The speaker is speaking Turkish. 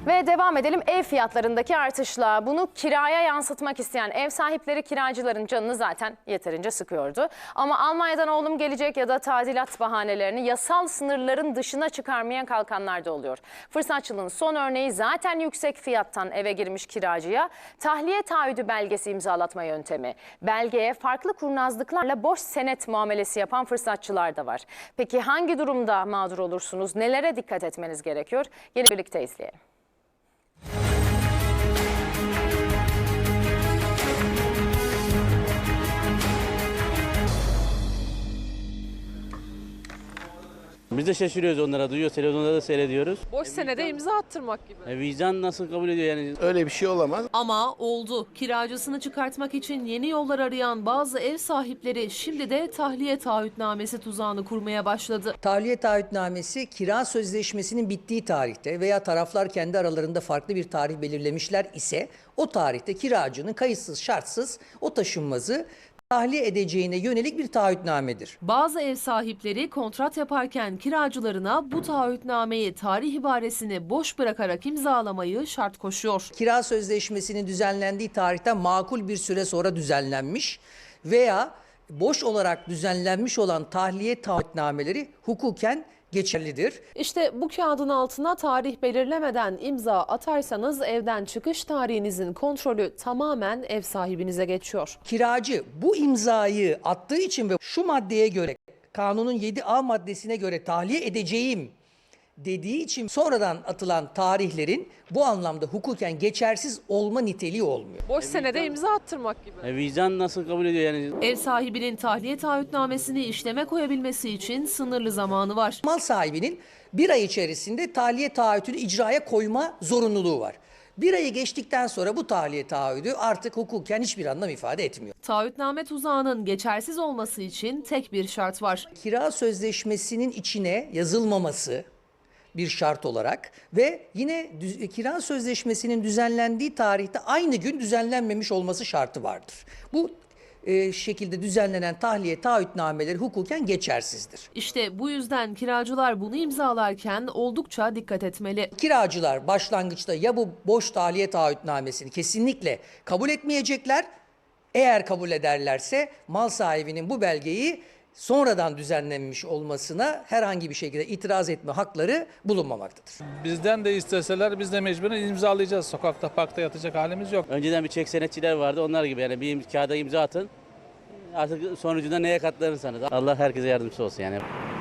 Ve devam edelim ev fiyatlarındaki artışla. Bunu kiraya yansıtmak isteyen ev sahipleri kiracıların canını zaten yeterince sıkıyordu. Ama Almanya'dan oğlum gelecek ya da tadilat bahanelerini yasal sınırların dışına çıkarmaya kalkanlar da oluyor. Fırsatçılığın son örneği zaten yüksek fiyattan eve girmiş kiracıya tahliye taahhüdü belgesi imzalatma yöntemi. Belgeye farklı kurnazlıklarla boş senet muamelesi yapan fırsatçılar da var. Peki hangi durumda mağdur olursunuz? Nelere dikkat etmeniz gerekiyor? Gelin birlikte izleyelim. Biz de şaşırıyoruz onlara, duyuyoruz, televizyonda da seyrediyoruz. Boş senede imza attırmak gibi. Vicdan nasıl kabul ediyor yani? Öyle bir şey olamaz. Ama oldu. Kiracısını çıkartmak için yeni yollar arayan bazı ev sahipleri şimdi de tahliye taahhütnamesi tuzağını kurmaya başladı. Tahliye taahhütnamesi kira sözleşmesinin bittiği tarihte veya taraflar kendi aralarında farklı bir tarih belirlemişler ise o tarihte kiracının kayıtsız şartsız o taşınmazı tahliye edeceğine yönelik bir taahhütnamedir. Bazı ev sahipleri kontrat yaparken kiracılarına bu taahhütnameyi tarih ibaresini boş bırakarak imzalamayı şart koşuyor. Kira sözleşmesinin düzenlendiği tarihten makul bir süre sonra düzenlenmiş veya boş olarak düzenlenmiş olan tahliye taahhütnameleri hukuken geçerlidir. İşte bu kağıdın altına tarih belirlemeden imza atarsanız evden çıkış tarihinizin kontrolü tamamen ev sahibinize geçiyor. Kiracı bu imzayı attığı için ve şu maddeye göre kanunun 7A maddesine göre tahliye edeceğim dediği için sonradan atılan tarihlerin bu anlamda hukuken geçersiz olma niteliği olmuyor. Boş senede imza attırmak gibi. Vicdan nasıl kabul ediyor yani? Ev sahibinin tahliye taahhütnamesini işleme koyabilmesi için sınırlı zamanı var. Mal sahibinin bir ay içerisinde tahliye taahhütünü icraya koyma zorunluluğu var. Bir ayı geçtikten sonra bu tahliye taahhüdü artık hukuken hiçbir anlam ifade etmiyor. Taahhütname tuzağının geçersiz olması için tek bir şart var. Kira sözleşmesinin içine yazılmaması bir şart olarak ve yine kira sözleşmesinin düzenlendiği tarihte aynı gün düzenlenmemiş olması şartı vardır. Bu şekilde düzenlenen tahliye taahhütnameleri hukuken geçersizdir. İşte bu yüzden kiracılar bunu imzalarken oldukça dikkat etmeli. Kiracılar başlangıçta ya bu boş tahliye taahhütnamesini kesinlikle kabul etmeyecekler. Eğer kabul ederlerse mal sahibinin bu belgeyi sonradan düzenlenmiş olmasına herhangi bir şekilde itiraz etme hakları bulunmamaktadır. Bizden de isteseler biz de mecburen imzalayacağız. Sokakta, parkta yatacak halimiz yok. Önceden bir çek senetçiler vardı, onlar gibi yani bir kağıda imza atın. Artık sonucunda neye katlanırsanız. Allah herkese yardımcısı olsun yani.